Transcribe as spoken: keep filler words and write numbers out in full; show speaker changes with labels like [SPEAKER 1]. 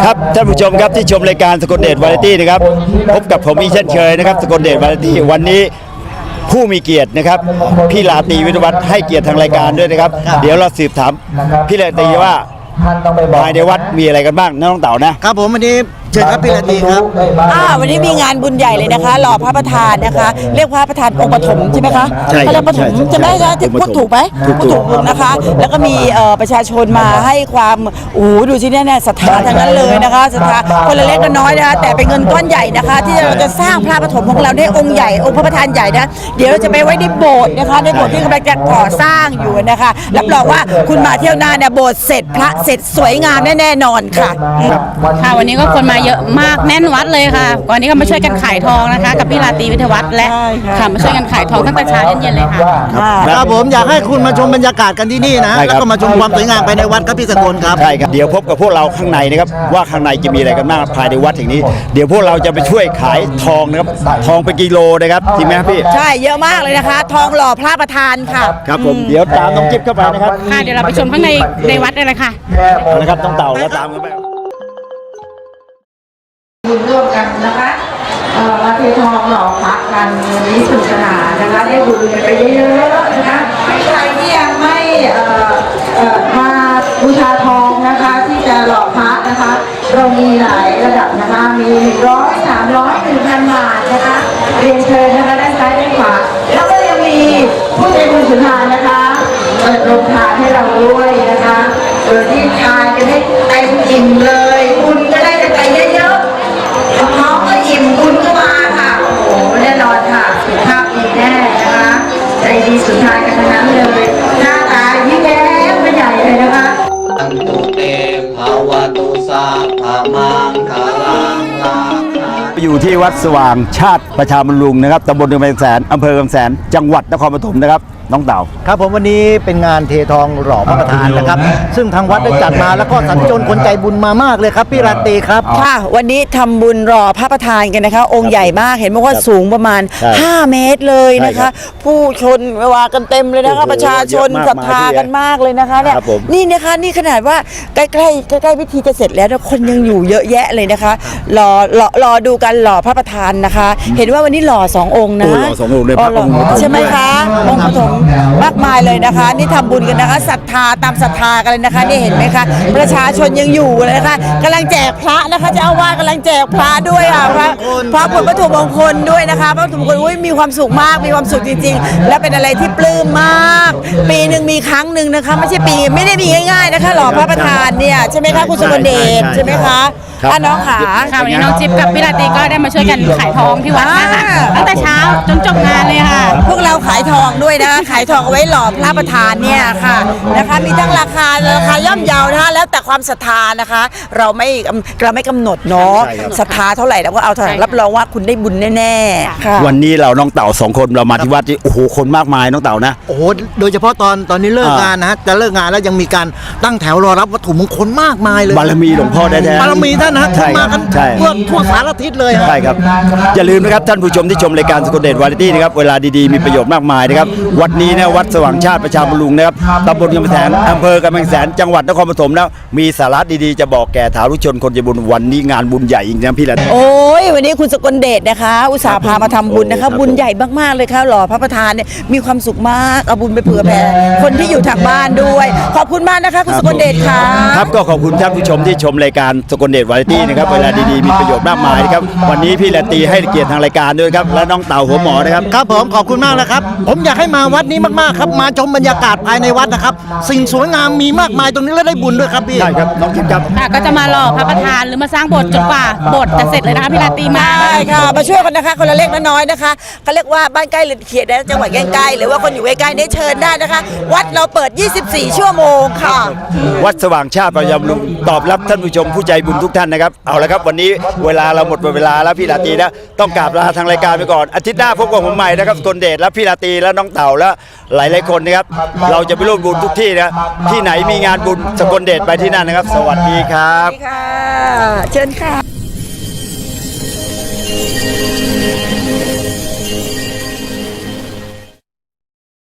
[SPEAKER 1] ครับท่านผู้ชมครับที่ชมรายการสกลเดชวาไรตี้นะครับพบกับผมอีกเช่นเคยนะครับสกลเดชวาไรตี้วันนี้ผู้มีเกียรตินะครับพี่ลาตรีวิทยวัฒน์ให้เกียรติทางรายการด้วยนะครับเดี๋ยวเราสืบถามพี่ลาตรีว่าภายในวัดมีอะไรกันบ้างน้องเต่านะครับ
[SPEAKER 2] ผมวันนี้เชิญครับพี่ลาตรีครับ
[SPEAKER 3] อ่าวันนี้มีงานบุญใหญ่เลยนะคะหล่อพระประธานนะคะ เรียกพระประธานองค์ปฐมใช่ไหมคะ
[SPEAKER 1] ใช่
[SPEAKER 3] เขาเรียกปฐมใช่ไหมคะพูดถูกไหม
[SPEAKER 1] ถูก
[SPEAKER 3] พูดถูกนะคะ แล้วก็มีเอ่อประชาชนมาให้ความโอ้โหดูสิเนี่ยเนี่ยศรัทธาทั้งนั้นเลยนะคะศรัทธาคนละเล็กละน้อยนะคะแต่เป็นเงินก้อนใหญ่นะคะ ที่เราจะสร้างพระปฐมของเราได้องค์ใหญ่องค์พระประธานใหญ่นะเดี๋ยวเราจะไปไว้ในโบสถ์นะคะในโบสถ์ที่กำลังจะก่อสร้างอยู่นะคะรับรองว่าคุณมาเที่ยวหน้าเนี่ยโบสถ์เสร็จพระเสร็จสวยงามแน่ๆนอนค่ะ
[SPEAKER 4] ค่ะวันนี้ก็คนมาเยอะมากแน่นวัดเลยค่ะวันนี้ก็มาช่วยกันขายทองนะคะกับพี่ลาตรีวิทยวัฒน์และ
[SPEAKER 3] ใช่ค่ะ
[SPEAKER 4] ค่ะมาช่วยกันขายทองตั้งแต่เช้าเย็นๆเลยค่ะ
[SPEAKER 2] ครับผมอยากให้คุณมาชมบรรยากาศกันที่นี่นะ
[SPEAKER 1] ใช่ครับ
[SPEAKER 2] แล้วก็มาชมความสวยงามภายในวัดครับพี่สกลครับ
[SPEAKER 1] ใช่ครับเดี๋ยวพบกับพวกเราข้างในนะครับว่าข้างในจะมีอะไรกันบ้างภายในวัดแห่งนี้ เดี๋ยวพวกเราจะไปช่วยขายทองนะครับทองเป็นกิโลนะครับจริงไหมครับพี่
[SPEAKER 3] ใช่เยอะมากเลยนะคะ ทองหล่อพระประธานค่ะ
[SPEAKER 1] ครับผมเดี๋ยวตามน้องจิ๊บเข้าไปนะครับ
[SPEAKER 4] ค่ะเดี๋ยวเราไปชมข้างในในวัดเลยเลยค่ะ
[SPEAKER 1] เอาละครับต้องเต่าแล้วตามกันไป
[SPEAKER 5] บุญร่วมกันนะคะเอ่อมาเททองหล่อพระกันวันนี้สนุกสนานนะคะได้บุญกันไปเยอะๆนะคะใครที่ยังไม่เอ่อเอ่อมาบูชาทองนะคะที่จะหล่อพระนะคะเรามีหลายระดับนะคะมีหนึ่งร้อยสามร้อยหนึ่งพันบาทนะคะเรียนเชิญนะคะด้านซ้ายด้านขวาแล้วก็ยังมีผู้ใจบุญสุนทานนะคะเปิดโรงทานให้เราด้วยนะคะโดยที่ทานกันให้เต็มอิ่มเลยคุณก็ได้กันไปเยอะๆท้องก็อิ่มคุณก็มาค่ะโอ้โหแน่นอนค่ะสุขภาพดีแน่นะคะใจดีสุดท้ายกันทั้งนั้นเลยหน้าตายิ้มแย้มเป็นใหญ่เลยนะคะ
[SPEAKER 6] อันตุเตภาวตุสัพพะมังคลังลาภ
[SPEAKER 1] อยู่ที่วัดสว่างชาติประชาบำรุงนะครับตำบลกำแพงแสนอำเภอกำแพงแสนจังหวัดนครปฐมนะครับน้องเต่า
[SPEAKER 2] ครับผมวันนี้เป็นงานเททองหล่อพระประธานนะครับ ซึ่งทางวัดได้จัดมาแล้วก็สัญจรคนใจบุญมามากเลยครับพี่ลาตรีครับ
[SPEAKER 3] ค่ะวันนี้ทำบุญรอพระประธานกันนะคะ องค์ใหญ่มากเห็นบอกว่าสูงประมาณ
[SPEAKER 1] ใช่
[SPEAKER 3] ห้า เมตรเลยนะ
[SPEAKER 1] ใช่ครั
[SPEAKER 3] คะ
[SPEAKER 1] บ
[SPEAKER 3] ผู้ชนว่ากันเต็มเลยนะคะ
[SPEAKER 1] โอ้โห
[SPEAKER 3] ประชาชน
[SPEAKER 1] เยอะมาก
[SPEAKER 3] ศรัทธากันมากเลยนะคะเนี่ย
[SPEAKER 1] ครับผม
[SPEAKER 3] นี่นะคะนี่ขนาดว่าใกล้ๆใกล้ๆพิธีจะเสร็จแล้วนะคนยังอยู่เยอะแยะเลยนะคะรอรอรอดูกันหล่อพระประธานนะคะ เห็นว่าวันนี้หล่อสององค์นะ
[SPEAKER 1] โอ้หล่อสององค์เลยพระ
[SPEAKER 3] หล่
[SPEAKER 1] องค์ปฐม
[SPEAKER 3] ใช่ไหมคะองค์ปฐมมากมายเลยนะคะ นี่ทำบุญกันนะคะศรัทธาตามศรัทธากันเลยนะคะนี่เห็นไหมคะประชาชนยังอยู่เลยนะคะกำลังแจกพระนะคะเจ้าอาวาสกำลังแจกพระด้วยอ่ะพระพระผลวัตถุมงคลด้วยนะคะพระวัตถุมงคลอุ้ยมีความสุขมากมีความสุขจริงๆ และเป็นอะไรที่ปลื้มมาก ปีหนึ่งมีครั้งหนึ่งนะคะไม่ใช่ปีไม่ได้มีง่ายๆนะคะหล่อพระประธานเนี่ยใช่ไหมคะคุณสมเดชใช่ไหมคะอ่ะน้องขา
[SPEAKER 4] ค่ะวันนี้น้องจิ๊บกับพี่ลาตรีก็ได้มาช่วยกันขายทองที่วัดนะคะ
[SPEAKER 3] อ่า
[SPEAKER 4] ตั้งแต่เช้าจนจบงานเลยค่ะ
[SPEAKER 3] พวกเราขายทองด้วยนะคะขายทองเอาไว้หล่อพระประธานเนี่ยค่ะนะคะมีทั้งราคาราคาย่อมเยานะคะแล้วแต่ความศรัทธานะคะ เราไม่เราไม่กำหนดเนาะ
[SPEAKER 1] ใช่ครับ
[SPEAKER 3] ศรัทธาเท่าไหร่เราก็เอาเท่าไหร่
[SPEAKER 4] ใช่ค่ะ
[SPEAKER 3] รับรองว่าคุณได้บุญแน่ๆค่ะ
[SPEAKER 1] วันนี้เราน้องเต่าสองคนเรามาที่วัดที่โอ้โหคนมากมายน้องเต่านะ
[SPEAKER 2] โอ้โหโดยเฉพาะตอนตอนนี้เลิก
[SPEAKER 1] อ่าง
[SPEAKER 2] งานนะฮะจะเลิกงานแล้วยังมีการตั้งแถวรอรับวัตถุมงคลมากมายเลย
[SPEAKER 1] บารมีหลวงพ่อแท้ๆ
[SPEAKER 2] บารมีท่านนะ
[SPEAKER 1] ใช่
[SPEAKER 2] มากัน
[SPEAKER 1] ใช่
[SPEAKER 2] ทั่วทั่วสารทิศเลยฮะ
[SPEAKER 1] ใช่ครับอย่าลืมนะครับท่านผู้ชมที่ชมรายการสกลเดชวาไรตี้นะครับเวลาดีๆมีประโยชน์มากมายนะครับวัดนี้นะวัดสว่างชาติประชาบำรุงนะครับตำบลกำแพงแสนอำเภอกำแพงแสนจังหวัดนครปฐมแล้วมีสาระดีๆจะบอกแก่สาธุชนคนใจบุญวันนี้งานบุญใหญ่จริงๆนะพี่ละ
[SPEAKER 3] โอ้ยวันนี้คุณสกลเดชนะคะ อุตส่าห์พามาทำบุญนะ
[SPEAKER 1] ครั
[SPEAKER 3] คะ
[SPEAKER 1] บ
[SPEAKER 3] บุญใหญ่มากๆเลยค่ะหล่อพระประธานเนี่ยมีความสุขมากเอาบุญไปเผื่อแผ่คนที่อยู่ทางบ้านด้วย ขอบคุณมากนะคะคุณสกลเดชค่ะ
[SPEAKER 1] ครับก็ขอบคุณท่านผู้ชมที่ชมรายการสกลเดชวาไรตี้นะครับเวลาดีๆมีประโยชน์มากมายนะครับวันนี้พี่ละตีให้เกียรติทางรายการด้วยครับและน้องเต่าหัวหมอนะครับ
[SPEAKER 2] ครับผมขอบคุณมากนะครับ ผมอยากให้มาวัดนี้มากๆครับมาชมบรรยากาศภายในวัดนะครับ สิ่งสวยงามมีมากมายตรงนี้และได้บุญด้วยครับพี่
[SPEAKER 1] ได้ครับน้องคิมครับ
[SPEAKER 4] ค่ะก็จะมาหล่อพระประธานหรือมาสร้างโบสถ์จนกว่าโบสถ์จะเสร็จเลยนะคะพี่ลาตรีมา
[SPEAKER 3] ได้ค่ะมาช่วยกันนะคะคนละเล็กละน้อยนะคะเขาเรียกว่าบ้านใกล้หรือเขตนะจังหวัดใกล้ๆหรือว่าคนอยู่ใกล้ๆได้เชิญได้นะคะ วัดเราเปิด ยี่สิบสี่ ชั่วโมงค่ะ
[SPEAKER 1] วัดสว่างชาติประยำลุงตอบรับท่านผู้ชมผู้ใจบุญทุกท่านนะครับเอาละครับวันนี้เวลาเราหมดเวลาแล้วพี่ลาตรีนะต้องกราบลาทางรายการไปก่อนอาทิตย์หน้าพบกับผมใหม่นะครับสกลเดชและพี่ลาตรีและน้องเต่าและหลายๆคนนะครับเราจะไปร่วมบุญทุกที่นะที่ไหนมีงานบุญสกลเดชไปที่นั่นนะครับ สวัสดีครับ
[SPEAKER 3] ค่ะเชิญค่ะ